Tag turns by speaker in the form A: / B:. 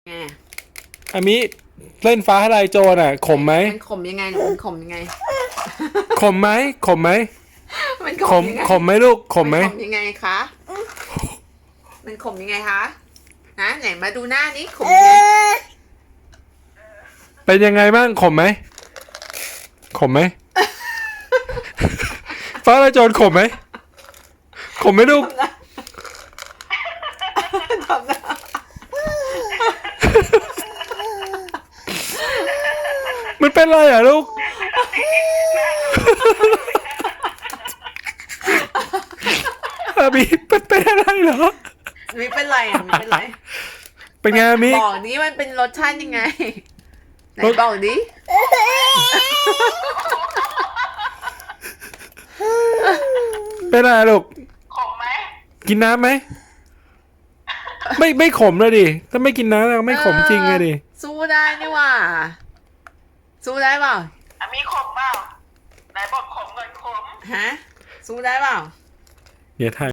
A: ไง
B: อามิเล่นฟ้าทลายโจรอ่ะขมไหม
A: มันขมยังไงหนูมันขมยังไง
B: ขมไหมขมไหม
A: มัน
B: ขม
A: ยังไง
B: ขมไหมลูกขมไหม
A: นขมยังไงคะมันขมยังไงคะนะไหนมาดูหน้านี้ขมยังไง
B: เป็นยังไงบ้างขมไหมขมไหม ฟ้าทลายโจรขมไหมขมไหมลูก
A: ทำหน้า
B: มันเป็นอะไรอ่ะลูก อามิเป็นอะไรเหรอ
A: ไม่เป็นไรอ่ะไม่เป็นไร
B: เป็นไงอามิ
A: บอกนี้มันเป็นรสชาติยังไงไหนบอกดิ
B: เป็นอะไรลูก
C: ขมไหม
B: กินน้ำไหมไม่ขมเลยดิถ้าไม่กินน้ำแล้วไม่ขมจริงเลยดิ
A: สู้ได้นี่หว่าสู้ได้เปล่า
C: มีขมเปล่าไหนบอกขมก่อนขม
A: ฮะสู้ได้เปล่า
B: เดี๋ยวถ่าย